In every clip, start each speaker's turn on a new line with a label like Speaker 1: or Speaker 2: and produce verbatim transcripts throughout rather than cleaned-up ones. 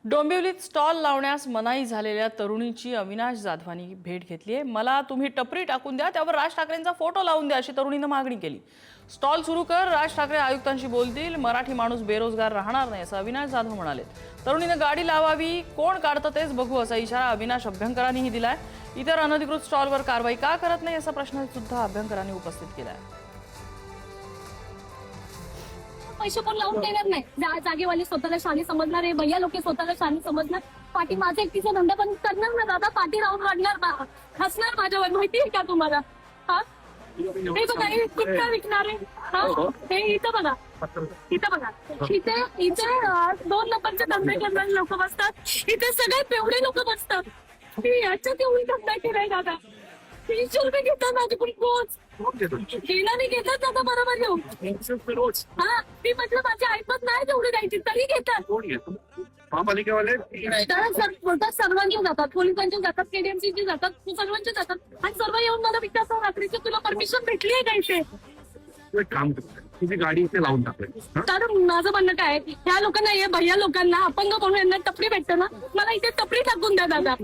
Speaker 1: डोंबिवलीत stall लावण्यास मनाई झालेल्या तरुणीची अविनाश जाधवानी भेट घेतली आहे। मला तुम्ही टपरी टाकून द्या, त्यावर राज ठाकरेंचा फोटो लावून द्या अशी तरुणीने मागणी केली। स्टॉल सुरू कर, राज ठाकरे आयुक्तांशी बोलतील, मराठी माणूस बेरोजगार राहणार नाही असं अविनाश जाधव म्हणाले। तरुणीने गाडी लावावी, कोण काढतं तेच बघू असा इशारा अविनाश अभ्यंकरांनीही दिलाय। इतर अनधिकृत स्टॉलवर कारवाई का करत नाही असा प्रश्न सुद्धा अभ्यंकरांनी उपस्थित केलाय।
Speaker 2: पैसे पण लावून देणार नाही। जागेवाली स्वतःला शानी समजणार आहे, भैया लोक स्वतःला शानी समजणार। पाठी माझा एकटीचा धंदा पण करणार ना दादा, पाठी राहून रडणार, हसणार माझ्यावर, माहितीये का तुम्हाला? हा हे बघा, हे कुठं विकणार आहे? हा हे इथं बघा, इथं बघा, इथे इथे दोन नंबरचे धंदे करणारे लोक बसतात, इथे सगळे पेवडे लोक बसतात। याच्यात एवढी धंदा केलाय दादा, तीनशे रुपये घेतात माझ्याकडून रोज। गेला नाही घेतात दादा, बरोबर घेऊ। हा मी म्हटलं माझी ऐपत नाही तेवढी द्यायची, तरी घेतात।
Speaker 3: महापालिकेवाले
Speaker 2: सर्वांचे जातात, पोलिसांचे जातात, केडीएमसीचे जातात, सर्वांचे जातात, आणि सर्व येऊन मला विचारतात रात्रीची तुला परमिशन भेटली आहे का इथे?
Speaker 3: काम करतात, तुझी गाडी इथे लावून टाकली।
Speaker 2: कारण माझं म्हणणं काय, ह्या लोकांना, हे भैया लोकांना, अपंग म्हणून यांना टपरी भेटतं ना, मला इथे टपरी टाकून द्या दादा,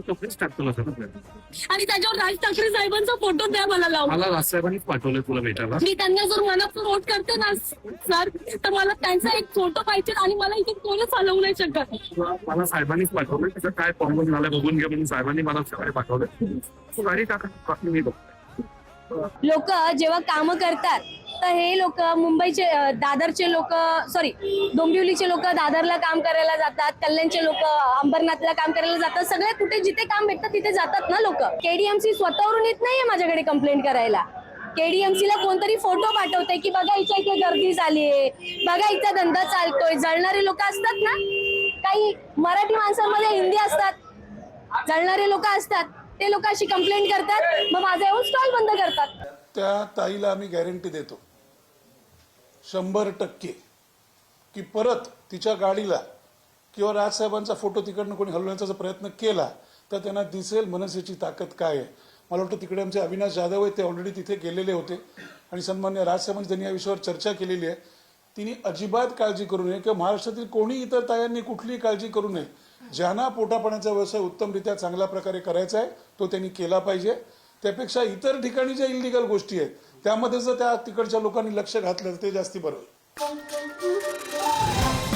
Speaker 2: आणि त्याच्यावर राज ठाकरे साहेबांचा फोटो द्या मला लावून।
Speaker 3: मला राज साहेबांनीच पाठवलं तुला भेटायला।
Speaker 2: मी त्यांना जर मनात वोट करते ना सर, तर मला त्यांचा एक फोटो पाहिजे, आणि मला इथे कोणच हलवू नाही शकत।
Speaker 3: मला साहेबांनीच पाठवलं, तिथं काय प्रॉब्लेम झाला बघून घ्या म्हणून साहेबांनी मला सकाळी पाठवलं। तू गाडी टाका, मी बघतो।
Speaker 4: लोक जेव्हा काम करतात तर हे लोक मुंबईचे, दादरचे लोक, सॉरी डोंबिवलीचे लोक दादरला काम करायला जातात, कल्याणचे लोक अंबरनाथला काम करायला जातात, सगळे कुठे जिथे काम भेटतं तिथे जातात ना लोक। केडीएमसी स्वतःवरून येत नाहीये माझ्याकडे कंप्लेंट करायला। केडीएमसी ला कोणतरी फोटो पाठवते की बघा इथे इथे गर्दी झालीये, बघा इथं धंदा चालतोय। जळणारे लोक असतात ना, काही मराठी माणसांमध्ये हिंदी असतात, जळणारे लोक असतात, ते लोक अशी कंप्लेंट करतात, मग माझा येऊन स्टॉल बंद करतात।
Speaker 5: त्या ताईला आम्ही गॅरंटी देतो शंभर टक्के की परत तिच्या गाडीला किंवा राजसाहेबांचा फोटो तिकडनं कोणी हलवण्याचा जर प्रयत्न केला तर त्यांना दिसेल मनसेची ताकद काय आहे। मला वाटतं तिकडे आमचे अविनाश जाधव आहेत, ते ऑलरेडी तिथे गेलेले होते, आणि सन्मान्य राजसाहेबांनी त्यांनी या विषयावर चर्चा केलेली आहे। तिने अजिबात काळजी करू नये किंवा महाराष्ट्रातील कोणी इतर तायांनी कुठलीही काळजी करू नये। ज्यांना पोटापाण्याचा व्यवसाय उत्तमरित्या चांगल्या प्रकारे करायचा आहे तो त्यांनी केला पाहिजे। त्यापेक्षा इतर ठिकाणी ज्या इलिगल गोष्टी आहेत त्यामध्ये जर त्या तिकडच्या लोकांनी लक्ष घातलं तर ते जास्ती बरं होईल।